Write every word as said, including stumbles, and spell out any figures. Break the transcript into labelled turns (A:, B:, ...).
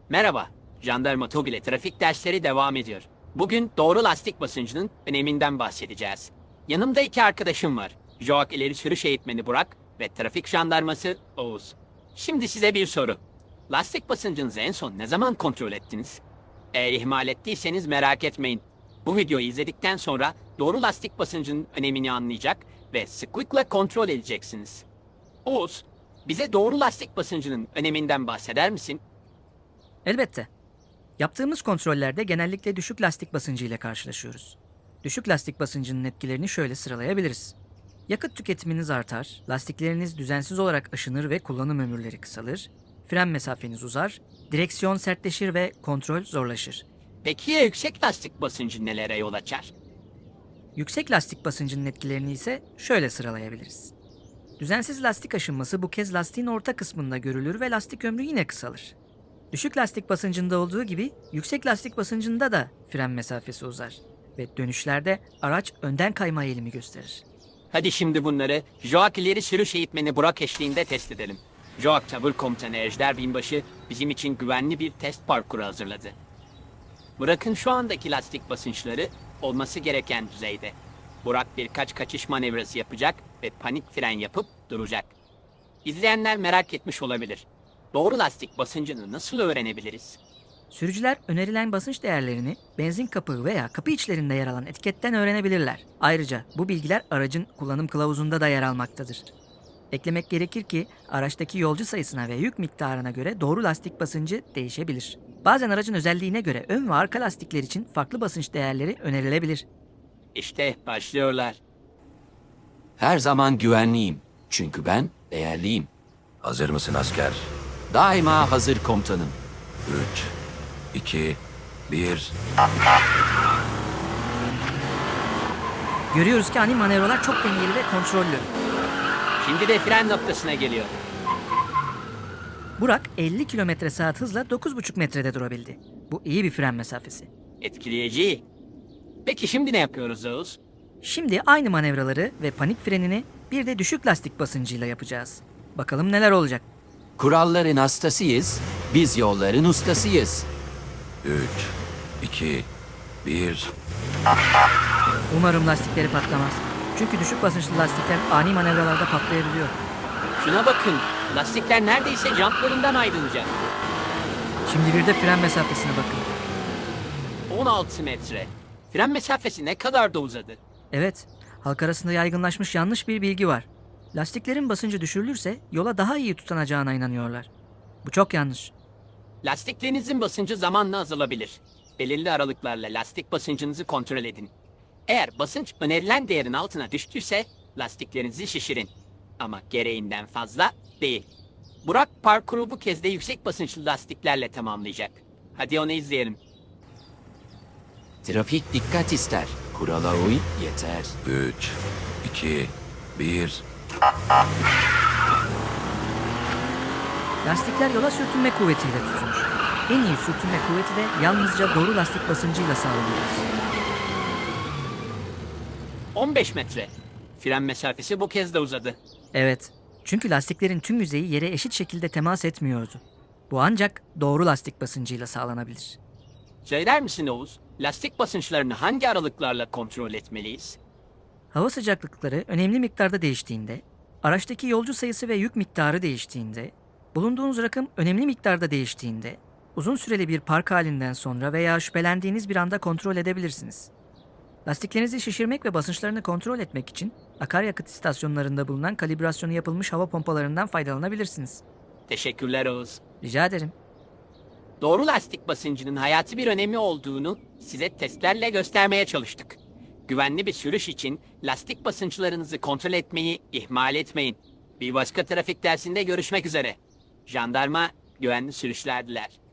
A: Merhaba, Jandarma TOG ile trafik dersleri devam ediyor. Bugün doğru lastik basıncının öneminden bahsedeceğiz. Yanımda iki arkadaşım var. JOAK ileri sürüş eğitmeni Burak ve trafik jandarması Oğuz. Şimdi size bir soru. Lastik basıncınızı en son ne zaman kontrol ettiniz? Eğer ihmal ettiyseniz merak etmeyin. Bu videoyu izledikten sonra doğru lastik basıncının önemini anlayacak ve sıklıkla kontrol edeceksiniz. Oğuz, bize doğru lastik basıncının öneminden bahseder misin?
B: Elbette. Yaptığımız kontrollerde genellikle düşük lastik basıncı ile karşılaşıyoruz. Düşük lastik basıncının etkilerini şöyle sıralayabiliriz. Yakıt tüketiminiz artar, lastikleriniz düzensiz olarak aşınır ve kullanım ömürleri kısalır, fren mesafeniz uzar, direksiyon sertleşir ve kontrol zorlaşır.
A: Peki ya yüksek lastik basıncı nelere yol açar?
B: Yüksek lastik basıncının etkilerini ise şöyle sıralayabiliriz. Düzensiz lastik aşınması bu kez lastiğin orta kısmında görülür ve lastik ömrü yine kısalır. Düşük lastik basıncında olduğu gibi yüksek lastik basıncında da fren mesafesi uzar ve dönüşlerde araç önden kayma eğilimi gösterir.
A: Hadi şimdi bunları JOAK ileri sürüş eğitmeni Burak eşliğinde test edelim. JOAK Tavır Komutanı Ejder Binbaşı bizim için güvenli bir test parkuru hazırladı. Burak'ın şu andaki lastik basınçları olması gereken düzeyde. Burak birkaç kaçış manevrası yapacak ve panik fren yapıp duracak. İzleyenler merak etmiş olabilir. Doğru lastik basıncını nasıl öğrenebiliriz?
B: Sürücüler önerilen basınç değerlerini benzin kapağı veya kapı içlerinde yer alan etiketten öğrenebilirler. Ayrıca bu bilgiler aracın kullanım kılavuzunda da yer almaktadır. Eklemek gerekir ki araçtaki yolcu sayısına ve yük miktarına göre doğru lastik basıncı değişebilir. Bazen aracın özelliğine göre ön ve arka lastikler için farklı basınç değerleri önerilebilir.
A: İşte başlıyorlar.
C: Her zaman güvenliyim. Çünkü ben değerliyim.
D: Hazır mısın asker?
C: Daima hazır komutanım.
D: Üç, iki, bir.
B: Görüyoruz ki ani manevralar çok dengeli ve kontrollü.
A: Şimdi de fren noktasına geliyor.
B: Burak elli kilometre saat hızla dokuz buçuk metrede durabildi. Bu iyi bir fren mesafesi.
A: Etkileyici. Peki şimdi ne yapıyoruz Oğuz?
B: Şimdi aynı manevraları ve panik frenini bir de düşük lastik basıncıyla yapacağız. Bakalım neler olacak.
C: Kuralların hastasıyız, biz yolların ustasıyız.
D: Üç, iki, bir.
B: Umarım lastikleri patlamaz. Çünkü düşük basınçlı lastikler ani manevralarda patlayabiliyor.
A: Şuna bakın. Lastikler neredeyse jantlarından ayrılacak.
B: Şimdi bir de fren mesafesine bakın.
A: on altı metre. Fren mesafesi ne kadar da uzadı.
B: Evet, halk arasında yaygınlaşmış yanlış bir bilgi var. Lastiklerin basıncı düşürülürse yola daha iyi tutunacağına inanıyorlar. Bu çok yanlış.
A: Lastiklerinizin basıncı zamanla azalabilir. Belirli aralıklarla lastik basıncınızı kontrol edin. Eğer basınç önerilen değerin altına düştüyse lastiklerinizi şişirin. Ama gereğinden fazla değil. Burak parkuru bu kez de yüksek basınçlı lastiklerle tamamlayacak. Hadi onu izleyelim.
C: Trafik dikkat ister. Kurala uy yeter.
D: Üç, iki, bir.
B: Lastikler yola sürtünme kuvvetiyle tutunur. En iyi sürtünme kuvveti de yalnızca doğru lastik basıncıyla sağlanır.
A: on beş metre. Fren mesafesi bu kez de uzadı.
B: Evet, çünkü lastiklerin tüm yüzeyi yere eşit şekilde temas etmiyordu. Bu ancak doğru lastik basıncıyla sağlanabilir.
A: Söyler misin Oğuz? Lastik basınçlarını hangi aralıklarla kontrol etmeliyiz?
B: Hava sıcaklıkları önemli miktarda değiştiğinde, araçtaki yolcu sayısı ve yük miktarı değiştiğinde, bulunduğunuz rakım önemli miktarda değiştiğinde, uzun süreli bir park halinden sonra veya şüphelendiğiniz bir anda kontrol edebilirsiniz. Lastiklerinizi şişirmek ve basınçlarını kontrol etmek için akaryakıt istasyonlarında bulunan kalibrasyonu yapılmış hava pompalarından faydalanabilirsiniz.
A: Teşekkürler Oğuz.
B: Rica ederim.
A: Doğru lastik basıncının hayati bir önemi olduğunu size testlerle göstermeye çalıştık. Güvenli bir sürüş için lastik basınçlarınızı kontrol etmeyi ihmal etmeyin. Bir başka trafik dersinde görüşmek üzere. Jandarma güvenli sürüşler diler.